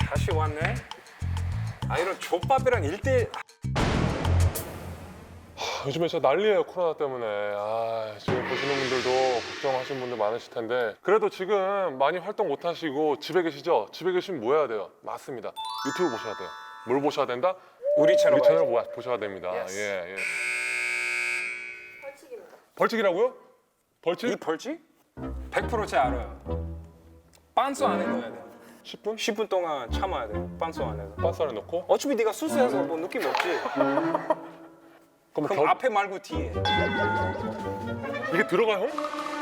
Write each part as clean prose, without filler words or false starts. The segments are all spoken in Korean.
다시 왔네. 아 이런 족밥이랑 1대1. 요즘에 진짜 난리예요, 코로나 때문에. 지금 보시는 분들도 걱정하시는 분들 많으실 텐데 그래도 지금 많이 활동 못 하시고 집에 계시죠? 집에 계시면 뭐 해야 돼요? 맞습니다. 유튜브 보셔야 돼요. 뭘 보셔야 된다? 우리 채널 우리 채널 보셔야 됩니다. Yes. 예. 벌칙입니다. 벌칙이라고요? 벌칙? 이 벌칙? 100% 제가 알아요. 빤소 안에 넣어야 돼. 10분? 10분 동안 참아야 돼. 빤소 안에서. 빤스 안에 넣고? 어차피 네가 수수해서 뭐 느낌 없지. 그럼 앞에 말고 뒤에. 이게 들어가, 형?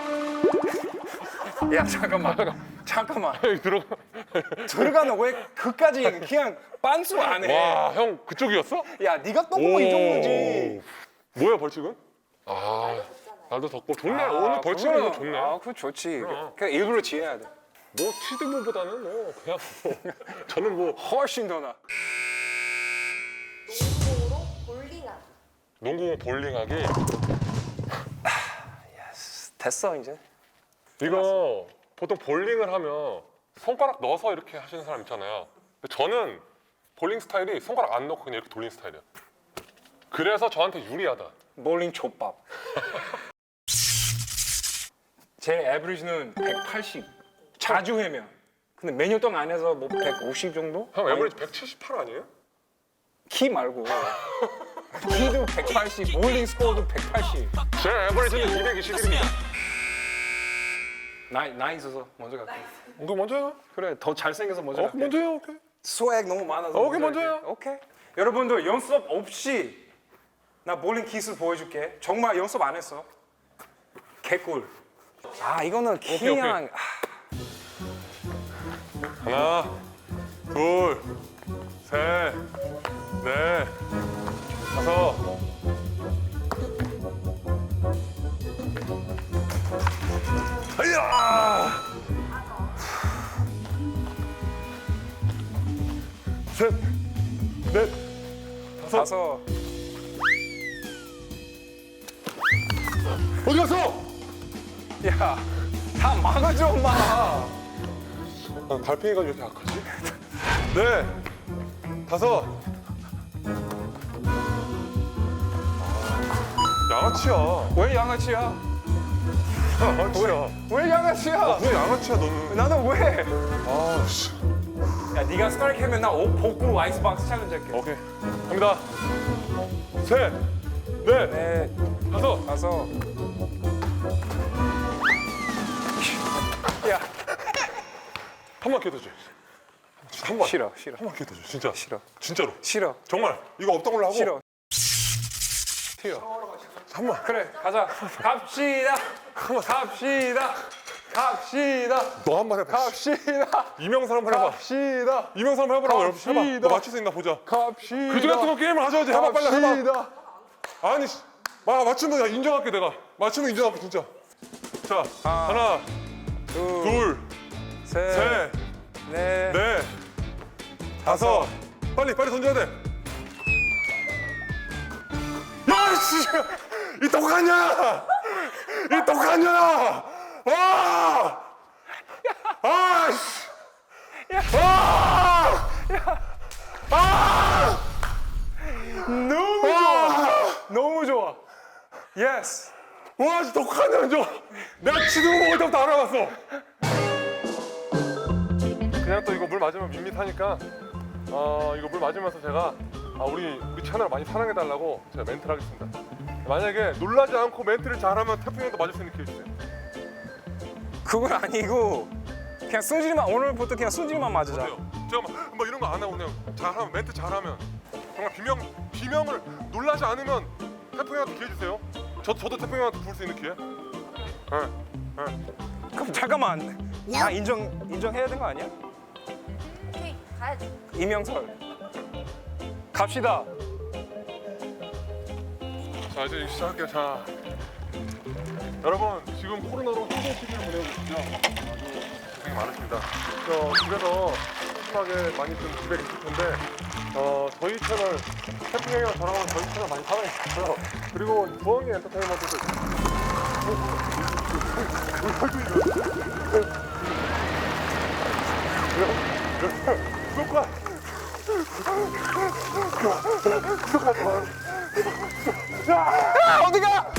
야 잠깐만. 이게 들어가? 들어가는 왜 그까지 그냥 빤소 안에. 와, 형 그쪽이었어? 야 네가 떠보면 이 정도지. 뭐야, 벌칙은? 날도 덥고 좋네. 오늘 벌칙은 이거 좋네. 그거 좋지. 그럼. 그냥 일부러 지어야 돼. 뭐 티드보다는 그냥 저는 뭐 훨씬 더 나. 농구공으로 볼링하기. 농구 볼링하기 됐어 이제. 이거 보통 볼링을 하면 손가락 넣어서 이렇게 하시는 사람 있잖아요. 근데 저는 볼링 스타일이 손가락 안 넣고 그냥 이렇게 돌리는 스타일이에요. 그래서 저한테 유리하다. 볼링 족밥. 제 에버리지는 180. 자주 하면. 근데 매년 동안 안 해서 뭐 150 정도? 형 에버리지 178 아니에요? 키 말고. 키도 180, 볼링 스코어도 180. 제 에버리지는 221입니다. 나이 있어서 먼저 갈게. 이거 먼저 해요. 그래, 더 잘생겨서 먼저 갈게. 먼저 해요. 오케이. 스웩 너무 많아서. 오케이, 먼저 할게. 해요. 오케이. 여러분들 연습 없이 나 볼링 기술 보여줄게. 정말 연습 안 했어. 개꿀. 이거는 그냥 하나, 둘, 셋, 넷, 다섯. 아야! 셋, 넷, 다섯. 가서 어디 갔어? 야, 다 막아줘 엄마. 난 달팽이가 왜 이렇게 약하지? 네, 다섯. 양아치야. 왜 양아치야? 양아치야. 왜 양아치야? 왜 양아치야 너는? 나는 왜? 씨. 야, 네가 스트라이크 하면 나 복구 아이스박스 챌린지 할게. 오케이. 갑니다. 셋, 넷, 네, 다섯. 가서. 야, 한 번 기회 줘. 한 번. 싫어. 한 번 기회 줘. 진짜. 싫어. 진짜로. 싫어. 정말. 이거 없던 걸로 하고. 싫어. 한 번. 그래, 가자. 갑시다. 너 한 번 해봐. 갑시다. 이명선 한번 해봐. 갑시다. 이명선 한번 해보라고. 해봐. 너 갑시다. 맞출 수 있나 보자. 갑시다. 그중 같은 거 게임을 하셔야지. 해봐 빨리 해봐. 갑시다. 아니 맞추면 내가 인정할게 내가. 맞추면 인정할게 진짜. 자 하나, 둘, 셋, 셋, 넷, 넷, 다섯. 빨리 던져야 돼. 야 씨, 이 똑같냐? 이 똑같냐? 와! 아 씨! 너무 좋아. 너무 좋아. 예스. 와, 진짜 똑같네, 저. 내가 치는 거 먹을 때부터 알아봤어. 그냥 또 이거 물 맞으면 밋밋하니까, 이거 물 맞으면서 제가 우리 채널 많이 사랑해달라고 제가 멘트를 하겠습니다. 만약에 놀라지 않고 멘트를 잘하면 태풍 형도 맞을 수 있는 기회 주세요. 그건 아니고 그냥 소질만 오늘부터 그냥 소질만 맞으자. 어때요? 제가 막 이런 거 안 하고 그냥 잘하면 멘트 잘하면 정말 비명을 놀라지 않으면 태풍 형한테 기회 주세요. 저도 태풍 형한테 부를 수 있는 기회. 그럼 잠깐만. 나 인정해야 되는 거 아니야? 오케이, 가야지. 이명설. 갑시다. 자 이제 시작할게요. 자 여러분 지금 코로나로 힘든 시기를 보내고 계시죠? 아주 고생이 많으십니다. 집에서 심하게 많이 좀 집에 계실 텐데 저희 채널 태풍 형이랑 저랑 저희 채널 많이 사랑해 주시고요. 그리고 부엉이 엔터테인먼트도 구독과 어디가?